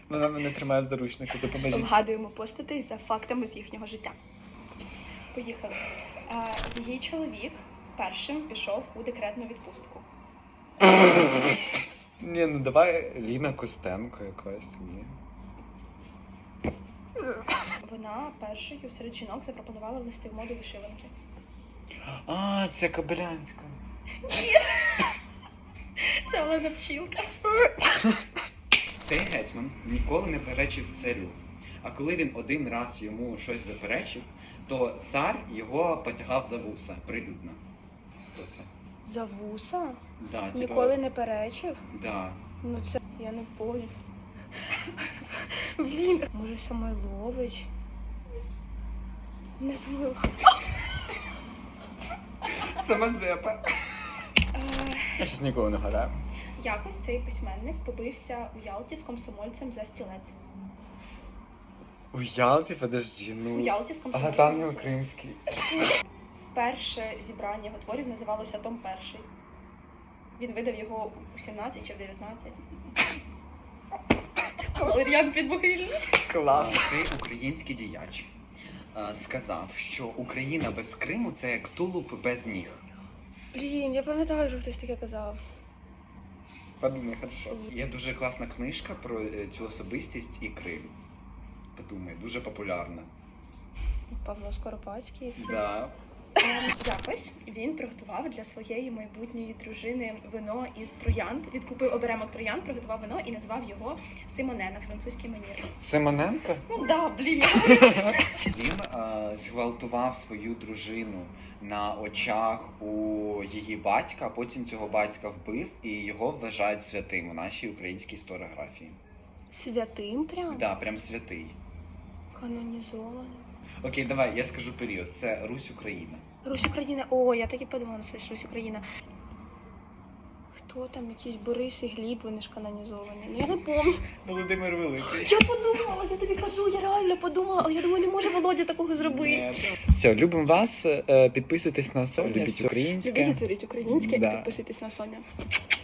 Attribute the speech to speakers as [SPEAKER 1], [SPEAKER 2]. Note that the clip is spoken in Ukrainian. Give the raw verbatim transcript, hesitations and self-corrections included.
[SPEAKER 1] Вона мене тримає в заручнику, допоможіть.
[SPEAKER 2] Вгадуємо постатей за фактами з їхнього життя. Поїхали. Е, її чоловік першим пішов у декретну відпустку.
[SPEAKER 1] Ні, ну давай Ліна Костенко якась, ні.
[SPEAKER 2] Вона першою серед жінок запропонувала ввести в моду вишиванки.
[SPEAKER 1] А, це Кобилянська.
[SPEAKER 2] Це Олена Пчілка.
[SPEAKER 3] Цей гетьман ніколи не перечив царю. А коли він один раз йому щось заперечив, то цар його потягав за вуса прилюдно. Хто це?
[SPEAKER 2] За вуса?
[SPEAKER 3] Да, типа,
[SPEAKER 2] Ніколи не перечив?
[SPEAKER 3] Да.
[SPEAKER 2] Ну це я не понял. Блін. Може Самойлович? Не Самойлович.
[SPEAKER 1] Це Мазепа. Я щас нікого не гадаю.
[SPEAKER 2] Якось цей письменник побився у Ялті з комсомольцем за стілець.
[SPEAKER 1] У Ялті, подожди,
[SPEAKER 2] У
[SPEAKER 1] ну...
[SPEAKER 2] Ялті з комсомольцем
[SPEAKER 1] Ага, там
[SPEAKER 2] за
[SPEAKER 1] не
[SPEAKER 2] стілець.
[SPEAKER 1] кримський.
[SPEAKER 2] Перше зібрання його творів називалося Том Перший. Він видав його у сімнадцять чи в дев'ятнадцять. Валеріан Підмогильний.
[SPEAKER 1] Клас.
[SPEAKER 3] Цей український діяч е, сказав, що Україна без Криму – це як тулуб без ніг.
[SPEAKER 2] Блін, я пам'ятаю, що хтось таке казав.
[SPEAKER 1] Подумай, хорошо.
[SPEAKER 3] Є дуже класна книжка про е, цю особистість і Крим. Подумай, дуже популярна.
[SPEAKER 2] Павло Скоропадський.
[SPEAKER 3] Да.
[SPEAKER 2] Ем, Якось він приготував для своєї майбутньої дружини вино із троянд. Відкупив оберемок троянд, приготував вино і назвав його Симоне на французький манір.
[SPEAKER 1] Симоненко?
[SPEAKER 2] Ну да, блін.
[SPEAKER 3] Він е, зґвалтував свою дружину на очах у її батька, а потім цього батька вбив і його вважають святим у нашій українській історіографії.
[SPEAKER 2] Святим прям?
[SPEAKER 3] Да, прям святий.
[SPEAKER 2] Канонізований.
[SPEAKER 3] Окей, давай, я скажу період. Це Русь Україна.
[SPEAKER 2] Русь Україна. О, я так і подумала, що це Русь Україна. Хто там, якісь Борис і Гліб, вони ж канонізовані. Ну я не пам'ятаю.
[SPEAKER 1] Володимир Великий.
[SPEAKER 2] Я подумала, я тобі кажу, я реально подумала, але я думаю, не може Володя такого зробити.
[SPEAKER 1] Все, любимо вас, е, підписуйтесь на Соня, любіть українське.
[SPEAKER 2] Любіть і творіть українське
[SPEAKER 1] Да.
[SPEAKER 2] і підписуйтесь на Соня.